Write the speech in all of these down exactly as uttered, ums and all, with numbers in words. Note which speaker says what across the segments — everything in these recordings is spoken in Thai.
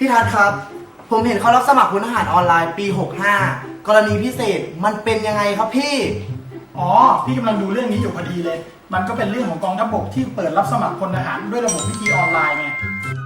Speaker 1: พี่ทัศน์ครับผมเห็นเขารับสมัครพลทหารออนไลน์ปีหกห้ากรณีพิเศษมันเป็นยังไงครับพี่
Speaker 2: อ๋อพี่กำลังดูเรื่องนี้อยู่พอดีเลยมันก็เป็นเรื่องของกองทัพบกที่เปิดรับสมัครพลทหารด้วยระบบวิธีออนไลน์ไง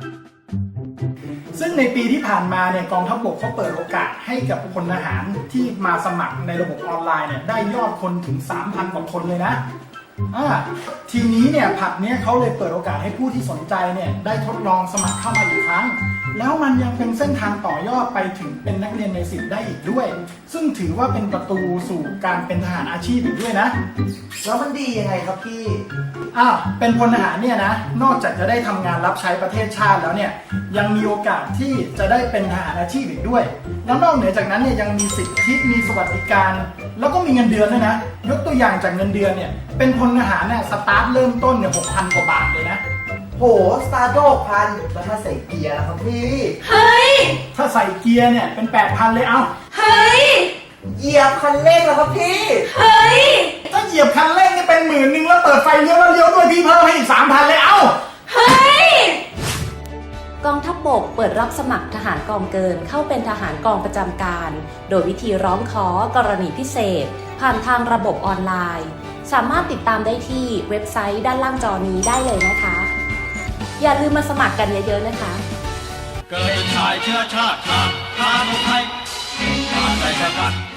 Speaker 2: ซึ่งในปีที่ผ่านมาเนี่ยกองทัพบกเขาเปิดโอกาสให้กับพลทหารที่มาสมัครในระบบออนไลน์เนี่ยได้ยอดคนถึง สามพัน กว่าคนเลยนะอ่าทีนี้เนี่ยผับเนี้ยเขาเลยเปิดโอกาสให้ผู้ที่สนใจเนี่ยได้ทดลองสมัครเข้ามาอีกครั้งแล้วมันยังเป็นเส้นทางต่อยอดไปถึงเป็นนักเรียนในสิบได้อีกด้วยซึ่งถือว่าเป็นประตูสู่การเป็นทหารอาชีพอีกด้วยนะ
Speaker 1: แล้วมันดียังไงครับพี่
Speaker 2: อ้าวเป็นพลทหารเนี่ยนะนอกจากจะได้ทำงานรับใช้ประเทศชาติแล้วเนี่ยยังมีโอกาสที่จะได้เป็นทหารอาชีพอีกด้วยแล้วนอกเหนือจากนั้นเนี่ยยังมีสิทธิมีสวัสดิการแล้วก็มีเงินเดือนด้วยนะยกตัวอย่างจากเงินเดือนเนี่ยเป็นพลทหารเนี่ยสตาร์ทเริ่มต้นเนี่ยหกพันกว่าบาทเลยนะ
Speaker 1: โหสตาร์ทหกพันแล้วถ้าใส่เกียร์ล่ะครับพี่
Speaker 3: เฮ้ย
Speaker 2: ถ้าใส่เกียร์เนี่ยเป็นแปดพันเลยเอ้า
Speaker 3: เฮ้ย
Speaker 1: เหยียบคันเร่งล่ะครับพี่
Speaker 3: เฮ้ย
Speaker 2: ถ้าเหยียบคันเร่งนี่เป็นหมื่นหนึ่งแล้วเปิดไฟเลี้ยวแล้วเลี้ยวด้วยพี่เพิ่มให้อีกสามพันเลยเอ้า
Speaker 3: เฮ้ย
Speaker 4: กองทัพบกเปิดรับสมัครทหารกองเกินเข้าเป็นทหารกองประจำการโดยวิธีร้องขอกรณีพิเศษผ่านทางระบบออนไลน์สามารถติดตามได้ที่เว็บไซต์ด้านล่างจอนี้ได้เลยนะคะอย่าลืมมาสมัครกันเยอะๆนะคะ
Speaker 5: เกิดเป็นชายเชื้อชาติทางทางไทยชาติไทยชาติ